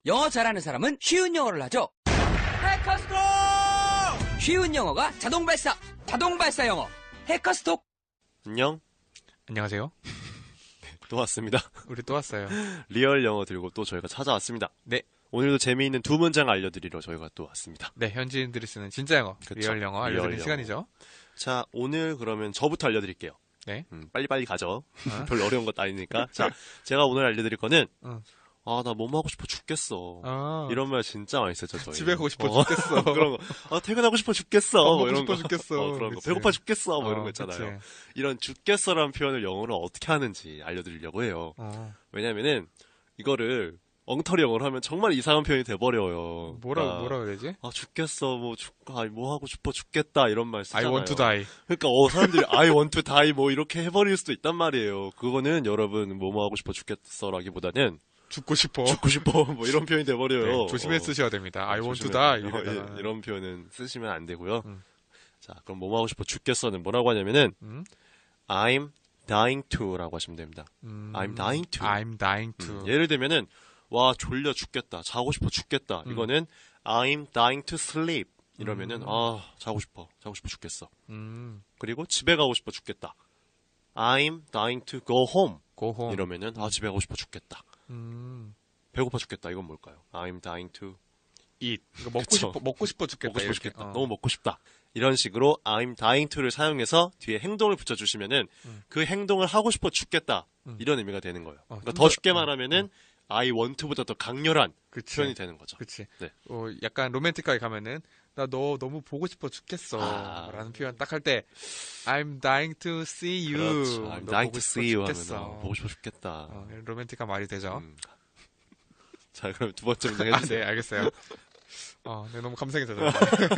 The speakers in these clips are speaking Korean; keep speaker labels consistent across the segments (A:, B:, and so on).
A: 영어 잘하는 사람은 쉬운 영어를 하죠. 해커스톡! 쉬운 영어가 자동 발사, 자동 발사 영어. 해커스톡!
B: 안녕.
C: 안녕하세요.
B: 또 왔습니다.
C: 우리 또 왔어요.
B: 리얼 영어 들고 또 저희가 찾아왔습니다.
C: 네.
B: 오늘도 재미있는 두 문장 알려드리러 저희가 또 왔습니다.
C: 네, 현지인들이 쓰는 진짜 영어,
B: 그쵸.
C: 리얼 영어 알려드리는 시간이죠.
B: 자, 오늘 그러면 저부터 알려드릴게요.
C: 네.
B: 빨리빨리 가죠. 별로 어려운 것도 아니니까. 자, 제가 오늘 알려드릴 거는 아, 나 뭐 하고 싶어 죽겠어. 이런 말 진짜 많이 쓰죠, 저희.
C: 집에 가고 싶어 죽겠어.
B: 그런 거. 아, 퇴근하고 싶어 죽겠어.
C: 먹고
B: 이런
C: 싶어
B: 거.
C: 죽겠어.
B: 그런 거.
C: 그치.
B: 배고파 죽겠어. 뭐 이런 거 있잖아요.
C: 그치.
B: 이런 죽겠어라는 표현을 영어로 어떻게 하는지 알려드리려고 해요. 왜냐면은 이거를 엉터리 영어로 하면 정말 이상한 표현이 돼버려요.
C: 뭐라 그래야 되지?
B: 아, 죽겠어. 뭐 하고 싶어 죽겠다. 이런 말 쓰잖아요.
C: I want to die.
B: 그러니까 사람들이 I want to die 뭐 이렇게 해버릴 수도 있단 말이에요. 그거는 여러분 뭐 하고 싶어 죽겠어라기보다는
C: 죽고 싶어.
B: 뭐 이런 표현이 돼버려요.
C: 네, 조심해 쓰셔야 됩니다. I want to
B: 조심해.
C: die.
B: 이런 표현은 쓰시면 안 되고요. 자, 그럼 뭐 하고 싶어 죽겠어는 뭐라고 하냐면은 I'm dying to라고 하시면 됩니다. I'm dying to.
C: I'm dying to.
B: 예를 들면은 와 졸려 죽겠다. 자고 싶어 죽겠다. 이거는 I'm dying to sleep. 이러면은 아 자고 싶어 죽겠어. 그리고 집에 가고 싶어 죽겠다. I'm dying to go home.
C: Go home.
B: 이러면은 아 집에 가고 싶어 죽겠다. 배고파 죽겠다. 이건 뭘까요? I'm dying to
C: eat.
B: 그쵸.
C: 먹고 싶어 죽겠다.
B: 먹고 싶어
C: 이렇게.
B: 죽겠다. 너무 먹고 싶다. 이런 식으로 I'm dying to를 사용해서 뒤에 행동을 붙여주시면은 그 행동을 하고 싶어 죽겠다. 이런 의미가 되는 거예요. 그러니까 더 쉽게 말하면은 I want to보다 더 강렬한
C: 그치.
B: 표현이 되는 거죠.
C: 그치.
B: 네.
C: 약간 로맨틱하게 가면은 나 너 너무 보고 싶어 죽겠어. 라는 표현 딱 할 때 I'm dying to see you.
B: 그렇죠. I'm
C: 너
B: dying
C: 보고
B: to
C: 싶어
B: see you
C: 죽겠어.
B: 하면 보고 싶어 죽겠다.
C: 로맨틱한 말이 되죠.
B: 자, 그럼 두 번째 문장
C: 아,
B: 해주세요.
C: 네, 알겠어요. 네, 너무 감성이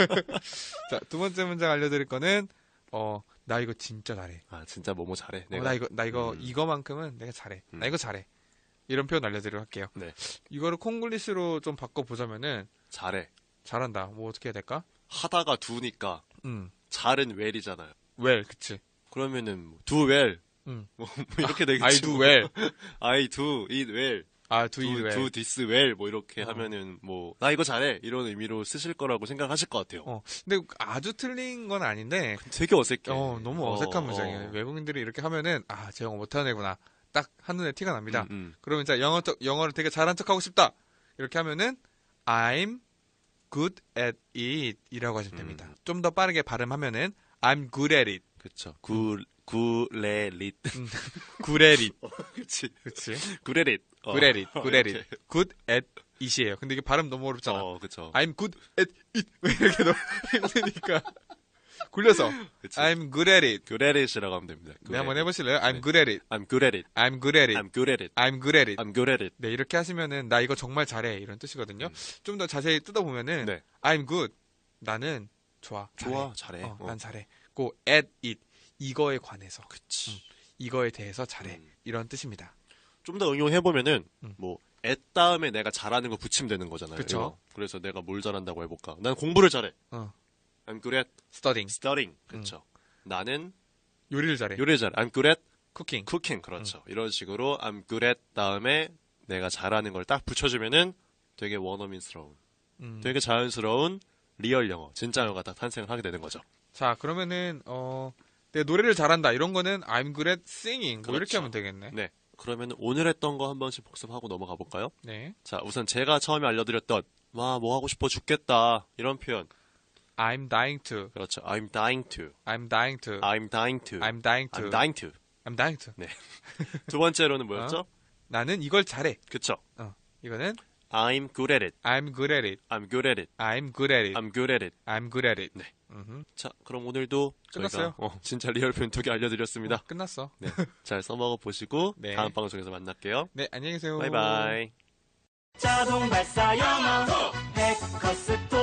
C: 자, 두 번째 문장 알려드릴 거는, 나 이거 진짜 잘해.
B: 아, 진짜 뭐뭐 잘해.
C: 나 이거, 이거만큼은 내가 잘해. 나 이거 잘해. 이런 표현 알려드리도록 할게요.
B: 네.
C: 이거를 콩글리시로 좀 바꿔보자면은,
B: 잘해.
C: 잘한다. 뭐 어떻게 해야 될까?
B: 하다가 do니까 잘은 well이잖아요.
C: well, 그치.
B: 그러면은 do well. 뭐 이렇게 되겠지.
C: I do well.
B: I do it well.
C: do it well.
B: do this well. 뭐 이렇게 하면은 뭐 나 이거 잘해. 이런 의미로 쓰실 거라고 생각하실 것 같아요.
C: 근데 아주 틀린 건 아닌데,
B: 되게 어색해.
C: 너무 어색한 문장이에요. 외국인들이 이렇게 하면은, 쟤 영어 못하는 애구나. 딱 한눈에 티가 납니다. 그러면 자, 영어를 되게 잘한 척 하고 싶다. 이렇게 하면은, I'm good at it 이라고 하시면 됩니다. 좀 더 빠르게 발음하면은, I'm good at it.
B: 그쵸. 구레릿.
C: good at it.
B: 그치.
C: good
B: 구레릿.
C: at it. good at it. good at it이에요. 근데 이게 발음 너무 어렵잖아.
B: 그쵸.
C: I'm good at it. 이렇게 너무 힘드니까. 굴려서.
B: 그치.
C: I'm good at it.
B: good at it이라고 하면 됩니다.
C: 네, 한번 해보실래요? I'm good at it.
B: I'm good at it.
C: I'm good at it.
B: I'm good at it.
C: I'm good at it.
B: I'm good at it.
C: 네, 이렇게 하시면은 나 이거 정말 잘해 이런 뜻이거든요. 좀 더 자세히 뜯어보면은
B: 네.
C: I'm good. 나는 좋아.
B: 잘해.
C: 난 잘해. 고 at it. 이거에 관해서.
B: 그치.
C: 이거에 대해서 잘해. 이런 뜻입니다.
B: 좀 더 응용해보면은, 뭐, at 다음에 내가 잘하는 거 붙이면 되는 거잖아요.
C: 그쵸.
B: 이거. 그래서 내가 뭘 잘한다고 해볼까? 난 공부를 잘해. I'm good at
C: studying.
B: 그쵸. 나는
C: 요리를 잘해.
B: 요리를 잘해. I'm good at
C: cooking.
B: 그렇죠. 이런 식으로 I'm good at 다음에 내가 잘하는 걸 딱 붙여주면은 되게 원어민스러운, 되게 자연스러운 리얼 영어, 진짜 영어가 딱 탄생을 하게 되는 거죠.
C: 자, 그러면은 내 노래를 잘한다 이런 거는 I'm good at singing. 뭐 이렇게
B: 그렇죠.
C: 하면 되겠네.
B: 네. 그러면 오늘 했던 거 한 번씩 복습하고 넘어가 볼까요?
C: 네.
B: 자, 우선 제가 처음에 알려드렸던 뭐 하고 싶어 죽겠다 이런 표현.
C: I'm dying to.
B: 그렇죠. I'm dying to.
C: I'm dying to.
B: I'm dying to.
C: I'm dying to.
B: I'm dying to.
C: I'm dying to.
B: 네. 두 번째로는 뭐였죠?
C: 나는 이걸 잘해.
B: 그쵸.
C: 이거는
B: I'm good at it.
C: I'm good at it.
B: I'm good at it.
C: I'm good at it.
B: I'm good at it.
C: I'm good at it.
B: 네. 자, 그럼 오늘도
C: 끝났어요.
B: 저희가 진짜 리얼 표현 2개 알려드렸습니다.
C: 끝났어.
B: 네. 잘 써먹어 보시고
C: 네.
B: 다음 방송에서 만날게요.
C: 네, 안녕히 계세요.
B: 바이바이.
A: 자동 발사 영어 해커스톡.